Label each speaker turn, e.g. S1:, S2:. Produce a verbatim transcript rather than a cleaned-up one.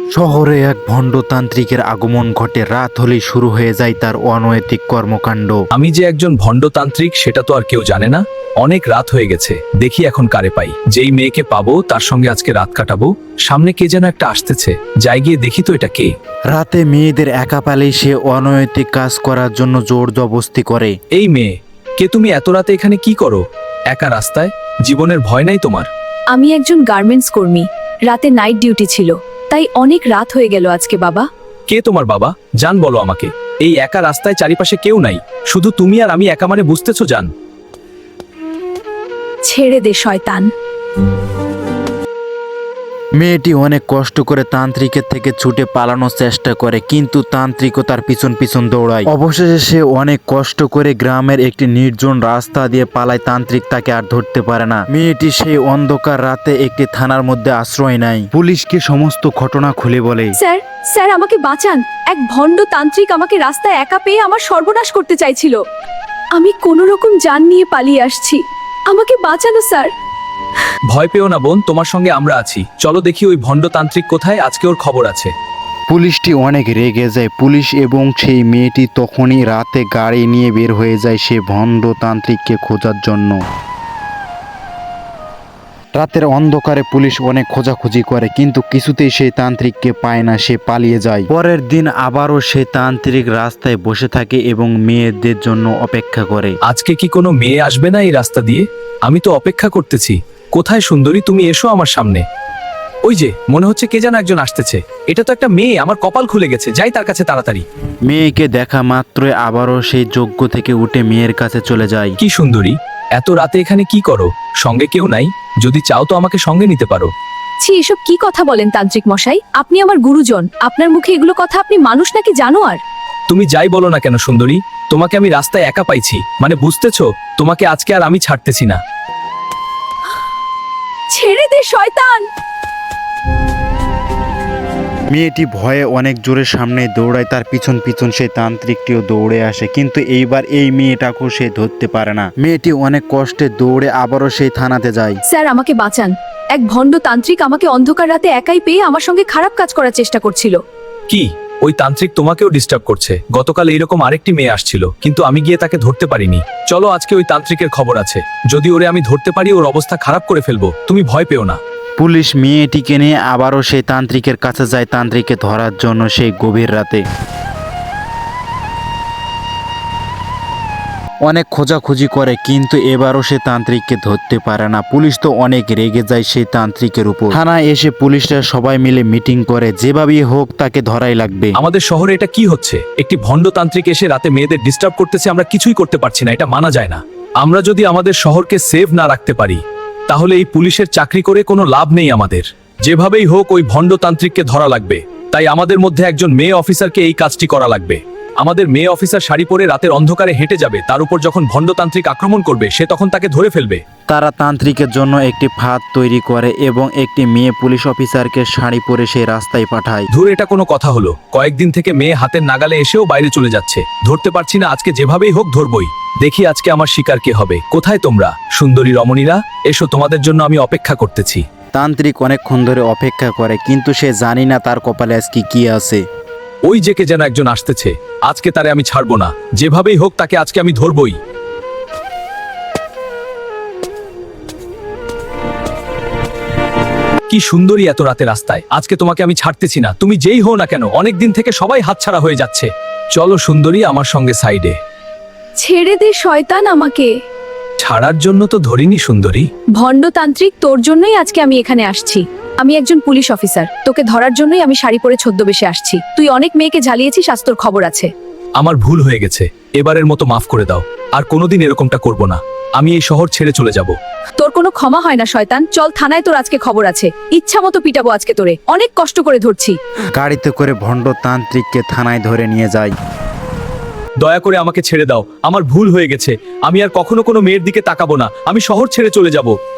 S1: শহরে এক ভণ্ডতান্ত্রিকের আগমন ঘটে। রাত হলেই শুরু হয়ে যায় তার অনৈতিক কর্মকাণ্ড।
S2: আমি যে একজন ভণ্ডতান্ত্রিক সেটা তো আর কেউ জানে না। অনেক রাত হয়ে গেছে, দেখি এখন কারে পাই। যেই মেয়েকে পাবো তার সঙ্গে আজকে রাত কাটাবো। সামনে কে যেন একটা আসতেছে, যাই গিয়ে দেখি তো এটা কে।
S1: রাতে মেয়েদের একা পেলেই সে অনৈতিক কাজ করার জন্য জোর জবরদস্তি করে।
S2: এই মেয়ে, কে তুমি? এত রাতে এখানে কি করো একা রাস্তায়? জীবনের ভয় নাই তোমার?
S3: আমি একজন গার্মেন্টস কর্মী, রাতে নাইট ডিউটি ছিল, তাই অনেক রাত হয়ে গেল আজকে। বাবা,
S2: কে তোমার বাবা? জান বলো আমাকে। এই একা রাস্তায় চারিপাশে কেউ নাই, শুধু তুমি আর আমি একা, মানে বুঝতেছো জান?
S3: ছেড়ে দে শয়তান।
S1: মেয়েটি অনেক কষ্ট করে তান্ত্রিকের থেকে ছুটে পালানোর চেষ্টা করে, কিন্তু তান্ত্রিকও তার পিছন পিছন দৌড়ায়। অবশেষে সে অনেক কষ্ট করে গ্রামের একটি নির্জন রাস্তা দিয়ে পালায়। তান্ত্রিক তাকে আর ধরতে পারে না। মেয়েটি সেই অন্ধকার রাতে একটি থানার মধ্যে আশ্রয় নেয়। পুলিশকে সমস্ত ঘটনা খুলে বলে।
S3: স্যার স্যার আমাকে বাঁচান। এক ভণ্ড তান্ত্রিক আমাকে রাস্তায় একা পেয়ে আমার সর্বনাশ করতে চাইছিল। আমি কোনো রকম জান নিয়ে পালিয়ে আসছি, আমাকে বাঁচানো স্যার।
S2: ভয় পেও না বোন, তোমার সঙ্গে আমরা আছি। চলো দেখি ওই ভণ্ডতান্ত্রিক কোথায়, আজকে ওর খবর আছে।
S1: পুলিশটি অনেক রেগে যায়। পুলিশ এবং সেই মেয়েটি তখনই রাতে গাড়ি নিয়ে বের হয়ে যায় সে ভণ্ডতান্ত্রিককে খোঁজার জন্য। রাতের অন্ধকারে পুলিশ অনেক খোঁজাখুঁজি করে, কিন্তু কিছুতেই সেই তান্ত্রিককে পায় না। সে পালিয়ে যায়। পরের দিন আবারও সেই তান্ত্রিক রাস্তায় বসে থাকে এবং মেয়েদের জন্য অপেক্ষা করে।
S2: আজকে কি কোনো মেয়ে আসবে না এই রাস্তা দিয়ে? আমি তো অপেক্ষা করতেছি। কোথায় সুন্দরী, তুমি এসো আমার সামনে। ওই যে মনে হচ্ছে কে যেন একজন আসতেছে। এটা তো একটা মেয়ে, আমার কপাল খুলে গেছে। যাই তার কাছে তাড়াতাড়ি।
S1: মেয়েকে দেখা মাত্রই আবারও সেই যজ্ঞ থেকে উঠে মেয়ের কাছে চলে যায়।
S2: কি সুন্দরী, এত রাতে এখানে কি করো? সঙ্গে কেউ নাই? যদি চাও তো আমাকে সঙ্গে নিতে পারো।
S3: ছি, এসব কি কথা বলেন তান্ত্রিক মশাই? আপনি আমার গুরুজন, আপনার মুখে এগুলো কথা? আপনি মানুষ নাকি জানোয়ার?
S2: তুমি যাই বলো না কেন সুন্দরী, তোমাকে আমি রাস্তায় একা পাইছি, মানে বুঝতেছো? তোমাকে আজকে আর আমি ছাড়তেছি না।
S3: ছেড়ে দে শয়তান।
S1: মেয়েটি ভয়ে অনেক জোরে সামনে দৌড়ায়। তার পিছন পিছন সেই তান্ত্রিকটিও দৌড়ে আসে, কিন্তু এইবার এই মেয়েটাকেও সে ধরতে পারে না। মেয়েটি অনেক কষ্টে দৌড়ে আবারও সেই থানাতে যায়।
S3: স্যার আমাকে বাঁচান। এক ভণ্ড তান্ত্রিক আমাকে অন্ধকার রাতে একাই পেয়ে আমার সঙ্গে খারাপ কাজ করার চেষ্টা করছিল।
S2: কি ওই তান্ত্রিক তোমাকেও ডিস্টার্ব করছে? গতকাল এইরকম আরেকটি মেয়ে আসছিল, কিন্তু আমি গিয়ে তাকে ধরতে পারিনি। চলো আজকে ওই তান্ত্রিকের খবর আছে, যদি ওরে আমি ধরতে পারি ওর অবস্থা খারাপ করে ফেলবো। তুমি ভয় পেও না।
S1: পুলিশ মেয়েটিকে নিয়ে আবারও সেই তান্ত্রিকের কাছে যায় তান্ত্রিককে ধরার জন্য সেই গভীর রাতে। অনেক খোঁজাখুঁজি করে, কিন্তু এবারও সে তান্ত্রিককে ধরতে পারে না। পুলিশ তো অনেক রেগে যায় সেই তান্ত্রিকের উপর। থানায় এসে পুলিশরা সবাই মিলে মিটিং করে, যেভাবেই হোক তাকে ধরাই লাগবে।
S2: আমাদের শহরে এটা কি হচ্ছে? একটি ভণ্ডতান্ত্রিক এসে রাতে মেয়েদের ডিস্টার্ব করতেছে, আমরা কিছুই করতে পারছি না। এটা মানা যায় না। আমরা যদি আমাদের শহরকে সেভ না রাখতে পারি তাহলে এই পুলিশের চাকরি করে কোনো লাভ নেই আমাদের। যেভাবেই হোক ওই ভণ্ডতান্ত্রিককে ধরা লাগবে। তাই আমাদের মধ্যে একজন মেয়ে অফিসারকে এই কাজটি করা লাগবে। আমাদের মেয়ে অফিসার শাড়ি পরে রাতের অন্ধকারে হেঁটে যাবে, তার উপর যখন ভণ্ডতান্ত্রিক আক্রমণ করবে সে তখন তাকে ধরে ফেলবে।
S1: তারা তান্ত্রিকের জন্য একটি ফাঁদ তৈরি করে এবং একটি মেয়ে পুলিশ অফিসারকে শাড়ি পরে সেই রাস্তায় পাঠায়।
S2: ধুর, এটা কোনো কথা হলো? কয়েকদিন থেকে মেয়ে হাতের নাগালে এসেও বাইরে চলে যাচ্ছে, ধরতে পারছি না। আজকে যেভাবেই হোক ধরবই। দেখি আজকে আমার শিকার কে হবে। কোথায় তোমরা সুন্দরী রমণীরা? এসো, তোমাদের জন্য আমি অপেক্ষা করতেছি।
S1: তান্ত্রিক অনেকক্ষণ ধরে অপেক্ষা করে, কিন্তু সে জানি না তার কপালে আজকে কি আছে।
S2: ওই যে কে যেন একজন আসতেছে, আজকে তারে আমি ছাড়বো না। যেভাবেই হোক তাকে আজকে আমি ধরবই। কি সুন্দরী এত রাতে রাস্তায়, আজকে তোমাকে আমি ছাড়তেছি না। তুমি যেই হও না কেন, অনেক দিন থেকে সবাই হাতছাড়া হয়ে যাচ্ছে। চলো সুন্দরী আমার সঙ্গে সাইডে।
S3: ছেড়ে দে শয়তান আমাকে।
S2: ছাড়ার জন্য তো ধরিনি সুন্দরী।
S3: ভণ্ড তান্ত্রিক, তোর জন্যই আজকে আমি এখানে আসছি। আমি একজন পুলিশ অফিসার, তোকে ধরার জন্যই আমি শাড়ি পরে ছদ্মবেশে আসছি। তুই অনেক মেয়েকে জ্বালিয়েছিস, আজ তোর খবর আছে।
S2: আমার ভুল হয়ে গেছে, এবারের মতো মাফ করে দাও। আর কোনোদিন এরকমটা করব না। আমি এই শহর ছেড়ে চলে যাব।
S3: তোর কোনো ক্ষমা হয় না শয়তান। চল থানায়, তোর আজকে খবর আছে। ইচ্ছা মতো পিটাবো আজকে তোরে, অনেক কষ্ট করে ধরছি।
S1: গাড়িতে করে ভণ্ড তান্ত্রিককে থানায় ধরে নিয়ে যায়।
S2: দয়া করে আমাকে ছেড়ে দাও, আমার ভুল হয়ে গেছে। আমি আর কখনো কোনো মেয়ের দিকে তাকাবো না। আমি শহর ছেড়ে চলে যাব।